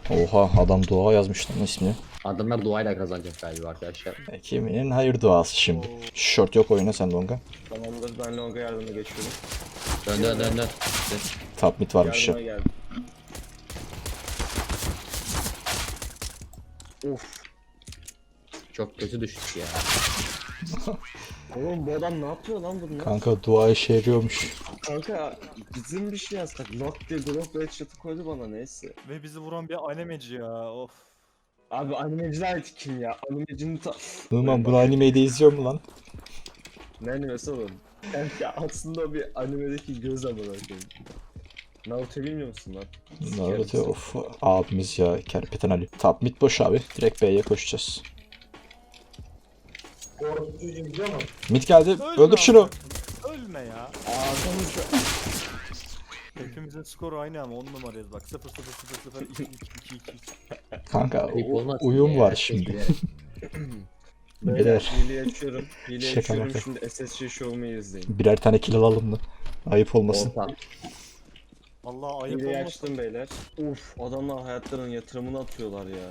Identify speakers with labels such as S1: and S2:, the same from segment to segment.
S1: Oha adam dua yazmış lan ismini.
S2: Adamlar duayla kazanacak galiba arkadaşlar.
S1: Kiminin hayır duası şimdi. Short yok oyuna sen longa.
S3: Tamamdır, ben longa yardıma geçiyorum.
S2: Dön dön dön dön.
S1: Top mid varmış ya.
S3: Yardıma geldim. Of.
S2: Çok kötü düştük ya.
S3: Oğlum bu adam ne yapıyor lan bunlar?
S1: Kanka dua işe yarıyormuş.
S3: Kanka bizim bir şey yazsak. Lock diye drop headshot'ı koydu bana, neyse.
S4: Ve bizi vuran bir animeci ya. Of.
S3: Abi animeciler kim ya? Animecinin
S1: Numan bunu anime'de izliyor mu lan?
S3: Ne animesi oğlum? Kanka aslında bir animedeki göz amına koyayım. Naruto bilmiyor musun lan?
S1: Naruto of abimiz ya Kerpeten Ali. Top mid boş abi. Direkt B'ye koşacağız. Mid geldi.
S4: Ölme
S1: Öldür şunu.
S4: abi. Ölme ya.
S3: Ağzımızda.
S4: Hepimizin skoru aynı ama 10 numarayız bak. 0 0 0 0 2 2 2 2.
S1: Kanka
S2: Ayıp olmaz
S1: uyum
S2: ya,
S1: var
S2: herkes
S1: şimdi.
S2: bilerek.
S3: Beyler
S1: Birer.
S3: hileyi açıyorum. Hileyi
S1: Şaka
S3: açıyorum,
S1: maka.
S3: şimdi SSC show'umu izleyin.
S1: Birer tane kill alalım da. Ayıp olmasın.
S2: Orta.
S4: Allah ayıp
S3: Hileyi
S4: olmasın.
S3: açtım beyler. Uf, adamlar hayatlarının yatırımını atıyorlar ya.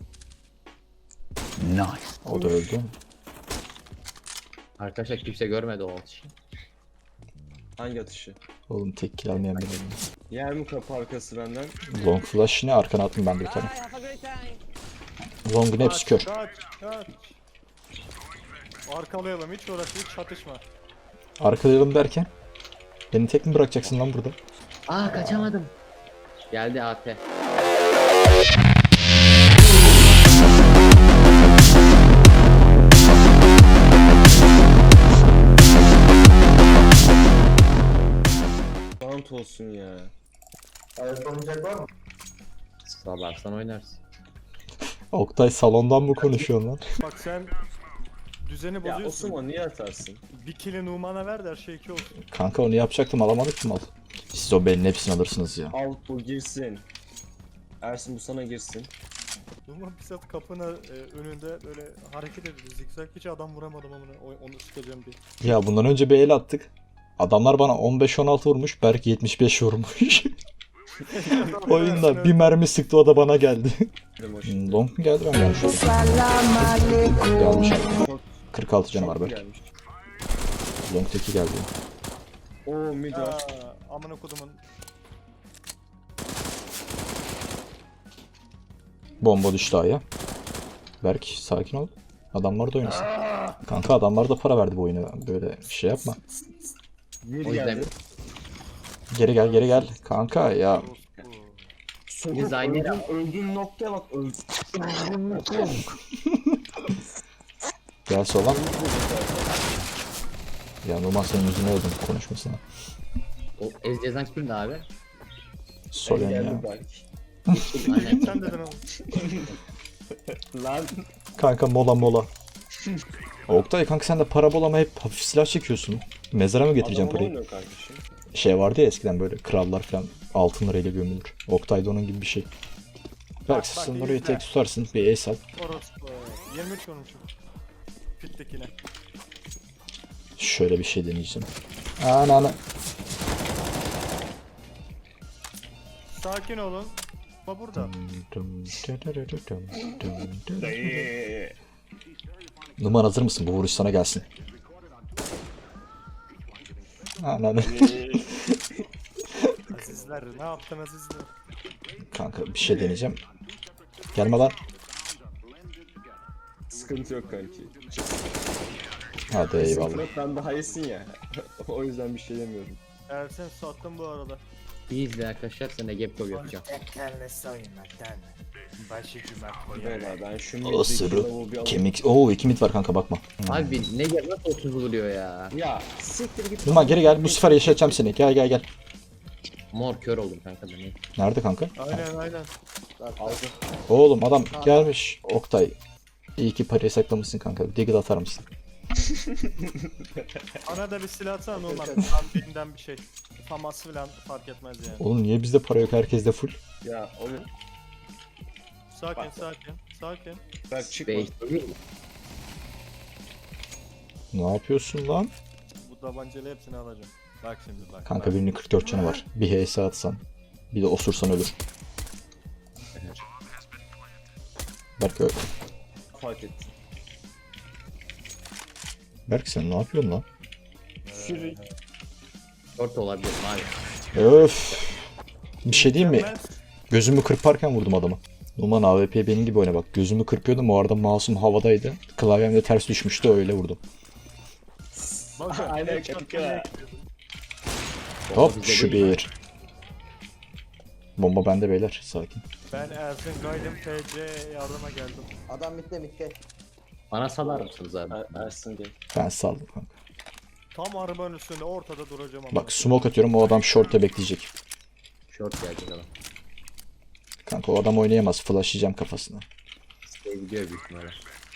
S1: O da öldü.
S2: Arkadaşlar kimse görmedi o atışı.
S3: Hangi atışı?
S1: Oğlum tek kill almayan benim.
S3: Yer mi kapı arkası benden?
S1: Long flash ne? Arkana attım ben bir tane. Long'un hepsi kör.
S4: Kaç kaç. Arkalayalım hiç uğraş hiç çatışma.
S1: Arkalayalım derken. Beni tek mi bırakacaksın lan burada?
S2: Aa kaçamadım. Geldi AT.
S3: Bant olsun ya.
S2: Sıralarsan oynarsın.
S1: Oktay salondan mı konuşuyorsun lan?
S4: Bak sen düzeni
S3: Ya
S4: bozuyorsun.
S3: Osman niye atarsın?
S4: Bir kili Numan'a ver de her şey 2 olsun.
S1: Kanka onu yapacaktım alamadık ki mal. Siz o belin hepsini alırsınız ya.
S3: Al bu girsin. Ersin bu sana girsin.
S4: Numan bir saat kapının önünde böyle hareket ediyor. Zikzak hiç adam vuramadım ama onu sıkacağım diye.
S1: Ya bundan önce bir el attık. Adamlar bana 15-16 vurmuş. Berk 75 vurmuş. Oyunda bir mermi sıktı o da bana geldi.
S3: Dedim o şimdi.
S1: Long mu geldi ben yanlış oldum. Yanlış aldım. 46 canı var
S3: Çok mu
S1: Berk.
S3: gelmiş?
S1: Long teki geldi.
S3: Oo mid var.
S4: Aa, amına kodumun.
S1: Bomba düştü aya. Berk sakin ol. Adamlar da oynasın. Kanka adamlar da para verdi bu oyuna. Böyle bir şey yapma.
S3: Mid
S2: O yüzden
S3: geldi.
S1: Geri gel geri gel. Kanka ya.
S3: Sokak
S2: Biz aynı
S3: öldüğün noktaya bak. Öldüğün noktaya bak.
S1: Gel sola. Ya Numan senin yüzüne öldüm. Konuşmasana.
S2: o Ez cezan kimdi abi?
S1: Solen ya.
S3: Geldi Berk.
S2: Aynen.
S4: Sen dedin ama.
S3: Lan.
S1: Kanka mola mola. Oktay kanka sen de para bulama hep hafif silah çekiyorsun. Mezara mı getireceğim
S3: Adam
S1: parayı?
S3: oynuyor kardeşim.
S1: Şey vardı ya eskiden böyle krallar falan altın lirayla gömülür. Oktay da onun gibi bir şey. Belki
S4: bak,
S1: sen
S4: iyi
S1: orayı
S4: izle.
S1: tek tutarsın bir ace al.
S4: Orospu. 23 vurmuşum. Pittekine.
S1: Şöyle bir şey deneyeceğim. Ana.
S4: Sakin olun. Ama burada.
S1: Numan hazır mısın? Bu vuruş sana gelsin. Ananı.
S4: Azizler ne yaptın azizler?
S1: Kanka bir şey deneyeceğim. Gelme lan.
S3: Sıkıntı yok kanki.
S1: Hadi eyvallah.
S3: Sıkıntı yok, ben daha iyisin ya. O yüzden bir şey demiyorum.
S4: Ersen sattım bu arada.
S2: İyi izle arkadaşlar sen de gap cover yapacağım.
S3: Beyler ben şu
S1: O
S3: middeki
S1: sırrı
S3: lavuğu bir alayım.
S1: kemik. Oo 2 mit var kanka bakma.
S2: Abi ne gel nasıl 30 vuruyor ya.
S3: Ya siktir git.
S1: Numan geri gel bu sefer yaşatacağım seni. Gel gel gel.
S2: Mor kör oldum kanka da ne.
S1: Nerede kanka?
S4: Aynen.
S3: Aldı.
S1: Oğlum adam gelmiş. Oktay. İyi ki parayı saklamışsın kanka. Deagle atar mısın?
S4: Ana da bir silah atsana normal. Tam birinden bir şey. Famas falan fark etmez yani.
S1: Oğlum niye bizde para yok herkeste full?
S3: Ya oğlum
S4: Sakin.
S3: bak çıkma.
S2: Beş değil mi?
S1: Ne yapıyorsun lan?
S4: Bu tabancayla hepsini alacağım. Bak şimdi bak.
S1: Kanka
S4: bak.
S1: birinin 44 canı var. Bir HS atsan. Bir de osursan ölür. Berk,
S3: Fark ettim.
S1: Berk sen ne yapıyorsun lan?
S3: Fury.
S2: Short olabilir abi.
S1: Öf. Bir şey diyeyim mi?
S4: Mükemmel.
S1: Gözümü kırparken vurdum adamı. Numan AWP benim gibi oyna bak. Gözümü kırpıyordum, o arada mouse'um havadaydı. Klavyem de ters düşmüştü, öyle vurdum.
S4: Bak,
S3: Aynen
S4: headshot
S3: kanka.
S4: bile-
S1: Hop
S2: Bizde
S1: şu
S2: değil.
S1: bir. Bomba bende beyler, sakin.
S4: Ben Ersin Gaydem TC yardıma geldim.
S5: Adam mitte.
S2: Bana salar mısınız abi?
S3: Ersin değil.
S1: Ben saldım kanka.
S4: Tam arabanın üstünde ortada duracağım ama.
S1: Bak smoke atıyorum, o adam short'ta bekleyecek.
S2: Short gelecek adam.
S1: Kanka o adam oynayamaz, flashlayacağım kafasına.
S2: Gidiyor büyük ihtimalle.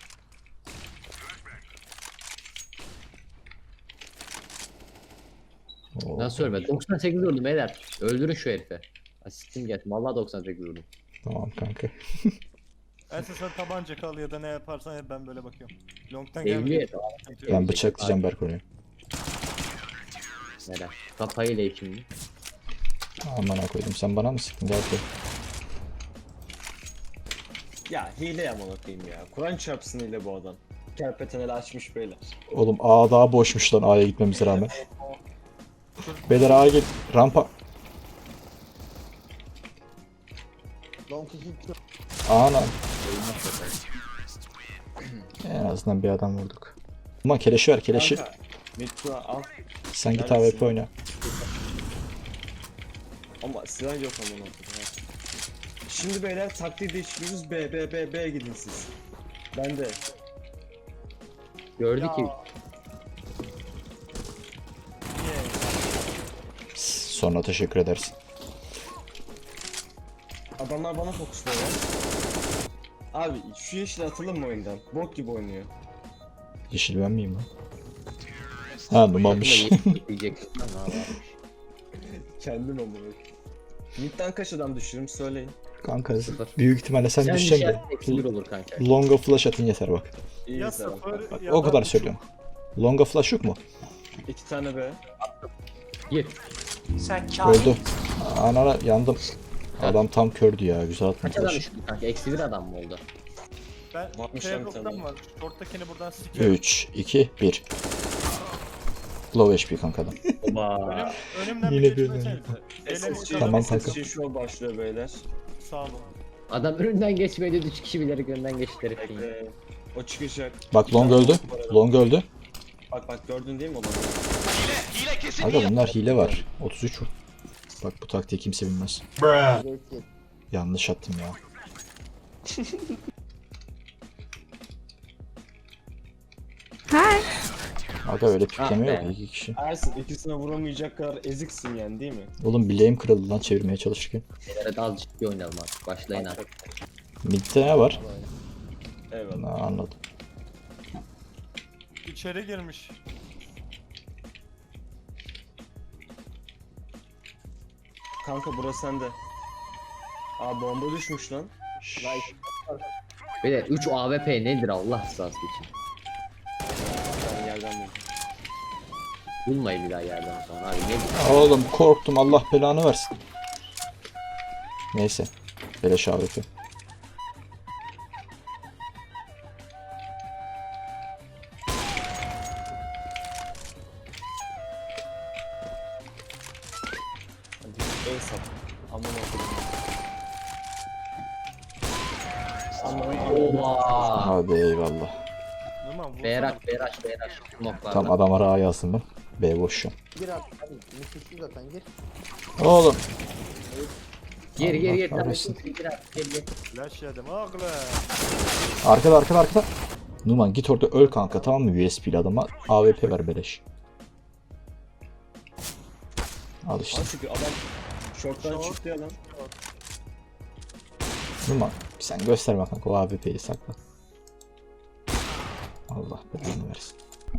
S1: Oo.
S2: Nasıl ölmedi? 98 vurdum beyler. Öldürün şu herifi. Asistim gelsin. Vallahi 98 vurdum.
S1: Tamam kanka.
S4: Ersin sen tabanca kal ya da ne yaparsan yap, ben böyle bakıyorum. Long'tan
S2: Evli
S4: gelmedi.
S2: ya.
S1: Ben bıçaklayacağım Berk oraya.
S2: Neden? Kafayla şimdi.
S1: Aman koydum, sen bana mı sıktın gel buraya.
S3: Ya hile yaman okuyayım ya. Kur'an çarpsın hile bu adam. Kerpeteneli açmış beyler.
S1: Oğlum A daha boşmuş lan, A'ya gitmemize rağmen. Beyler A'ya git. Rampa.
S5: Long kişi
S1: Ana. En azından bir adam vurduk. Ama keleşi ver, keleşi.
S3: Kanka, Mitsu'a al.
S1: Sen git
S3: neredesin?
S1: AWP oyna.
S3: Ama silah yok aman okuyayım. Şimdi beyler taktiği değiştiriyoruz. B gidin siz. Ben de.
S2: Gördü ki
S1: Sonra teşekkür edersin.
S3: Adamlar bana fokusluyor ya. Abi şu yeşil atalım mı oyundan? Bok gibi oynuyor.
S1: Yeşil ben miyim lan? Ha numarmış.
S2: diyeceksin. Ne yapalım?
S3: Kendim ama. Mid'den kaç adam düşürürüm söyleyin.
S1: Kanka
S2: Sıfır.
S1: büyük ihtimalle sen
S2: Sen
S1: düşeceksin
S2: düşersen
S1: de.
S2: eksi bir olur kanka.
S1: Longa flash atın yeter bak.
S3: İyi
S4: Ya
S3: mesela.
S4: sıfır
S1: Bak
S4: ya
S1: o
S4: da
S1: kadar
S4: üç.
S1: söylüyorum. Longa flash yok mu?
S3: 2 tane B.
S2: Gir.
S1: Öldü. Anana yandım. Adam tam kördü ya, güzel atma
S2: Kaç adam
S1: flash.
S2: düştü kanka? Eksi bir adam mı oldu?
S4: Ben
S3: Varmış lan bir
S4: T-Block'tan
S3: tane.
S4: var. Short'takini buradan sikerim.
S1: 3, 2, 1. Low HP kanka adam.
S2: Oba.
S4: Önümden
S1: Yine
S4: bir
S1: bir-
S4: geçmesenize. Şeyleri
S3: SSG,
S1: Tamam
S4: çıkardım.
S1: kanka.
S3: SSG şu an başlıyor beyler.
S4: Sağ olun.
S2: Adam önünden geçmedi. 3 kişi bilerek önden geçti herifin.
S3: O çıkacak.
S1: Bak long öldü. Long öldü.
S3: Bak gördün değil mi onu?
S1: Aga bunlar hile var. 33 vur. Bak bu taktiği kimse bilmez.
S5: geçti.
S1: Yanlış attım ya. Aga öyle pikleme
S2: Ah be.
S1: yok, 2 kişi.
S3: Ersin ikisine vuramayacak kadar eziksin yani değil mi?
S1: Oğlum bileğim kırıldı lan çevirmeye çalışırken.
S2: Evet az ciddi oynayalım artık. Başlayın artık.
S1: Mid'de ne var?
S3: Eyvallah.
S1: Ha, anladım.
S4: İçeri girmiş.
S3: Kanka burası sende. Aa bomba düşmüş lan.
S2: Bir de 3 AWP nedir Allah rızası için?
S3: Ben yerden buldum.
S2: Bulmayın bir daha yerden sonra abi nedir?
S1: Oğlum korktum, Allah belanı versin. Neyse. Beleş AWP.
S3: Hadi el sat. Aman okudum. Aman
S2: Oba.
S1: Hadi eyvallah.
S4: Numan vursana.
S2: Beyrak. Smoklarla.
S1: Tam adam ara yazdım ben. B boş şu an.
S5: Gir at. Hadi müthişli zaten gir.
S1: Oğlum.
S2: Gir.
S1: Allah kahretsin.
S2: Gir artık gir.
S4: Flash yedim oğlum.
S1: Arkada. Numan git orada öl kanka, tamam mı, USP'li adama AWP ver beleş. Al işte.
S3: Lan çünkü adam şorttan çıktı ya lan.
S1: Numan sen gösterme kanka, o AWP'yi sakla. Allah belanı versin.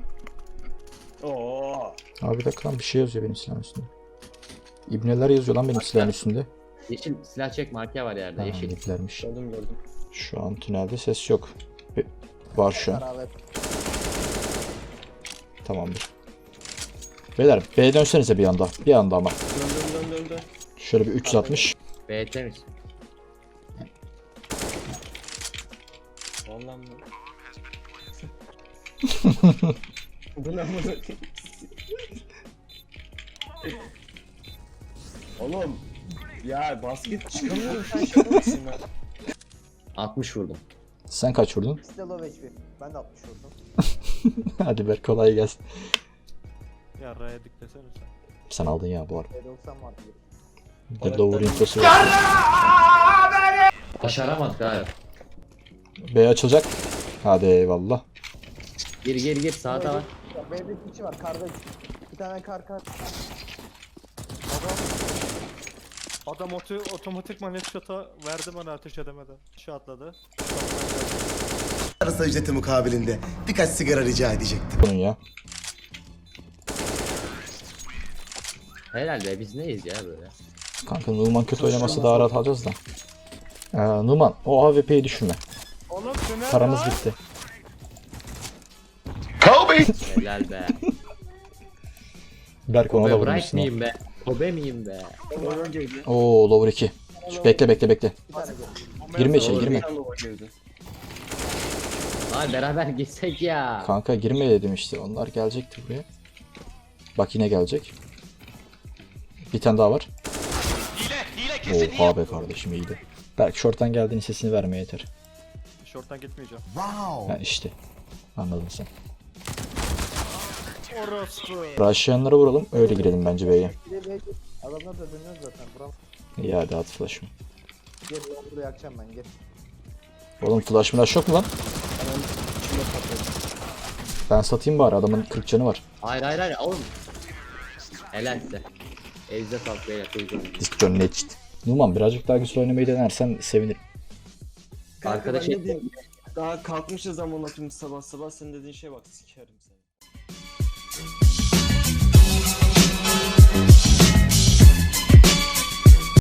S3: Oo.
S1: Abi bir dakika lan, bir şey yazıyor benim silahın üstünde. İbneler yazıyor lan benim silahın üstünde.
S2: Yeşil silah çek marka var yerde
S1: Ha,
S2: yeşil.
S1: ibnelermiş.
S3: Gördüm.
S1: Şu an tünelde ses yok. Var şu an.
S5: Beraber.
S1: Tamamdır. Beyler B'ye dönsenize bir anda. Bir anda ama.
S3: Dön.
S1: Şöyle bir 360.
S2: B temiz.
S3: Ondan mı? Bu ne amına koyayım? Oğlum ya basket çıkamıyorum sen şaka mısın lan?
S2: 60 vurdum.
S1: Sen kaç vurdun?
S5: İkisi de low HP. Ben de 60 vurdum.
S1: Hadi ver kolay gelsin.
S4: Ya R'ye diklesene sen.
S1: Sen aldın ya bu arada.
S5: B90 vardı.
S1: Bir de lower infosu var.
S2: Başaramadık abi.
S1: B açılacak. Hadi eyvallah.
S2: Gir sağda var.
S5: B'de kişi var. Karda bir tane kar.
S4: Adam otomatikman headshot'a verdi bana ateş edemeden. Şu atladı.
S6: Arası ücreti mukabilinde birkaç sigara rica edecektim.
S1: Bunun ya.
S2: Helal be biz neyiz ya böyle.
S1: Kanka Numan kötü oynaması daha rahat alacağız da. Numan o AWP'yi düşünme.
S4: Oğlum tünel
S1: Paramız
S4: var.
S1: bitti.
S2: Helal be.
S1: Berk ona da
S2: Kobe
S1: vurmuşsun
S2: Bryant
S1: ha.
S2: miyim be? Kobe miyim be?
S1: Oo lower 2. Bekle.
S5: Bir tane gör.
S1: Girme içeri
S2: Doğru.
S1: girme.
S2: Abi beraber gitsek ya.
S1: Kanka girme dedim işte. Onlar gelecekti buraya. Bak yine gelecek. Bir tane daha var. Oha be kardeşim iyiydi. Berk short'tan geldiğin sesini vermeye yeter.
S4: Short'tan gitmeyeceğim.
S6: Wow.
S1: Ha işte. Anladın sen.
S4: Orospu.
S1: Rush'layanlara vuralım. Öyle girelim bence B'ye.
S5: Bir de B. Adamlar da dönüyor zaten. Buram.
S1: İyi hadi at flash'ımı.
S5: Gel Londra'yı yakacağım ben gel.
S1: Oğlum flash yok mu lan? Ben satayım bari adamın 40 canı var.
S2: Hayır oğlum. Helal size. Elinize sağlık beyler.
S1: Disconnect. Numan birazcık daha güçlü oynamayı denersen sevinirim.
S2: Arkadaş
S3: Arkadaş ne diyeyim? Daha kalkmışız zaman atımız sabah sabah senin dediğin şeye bak sikerim seni.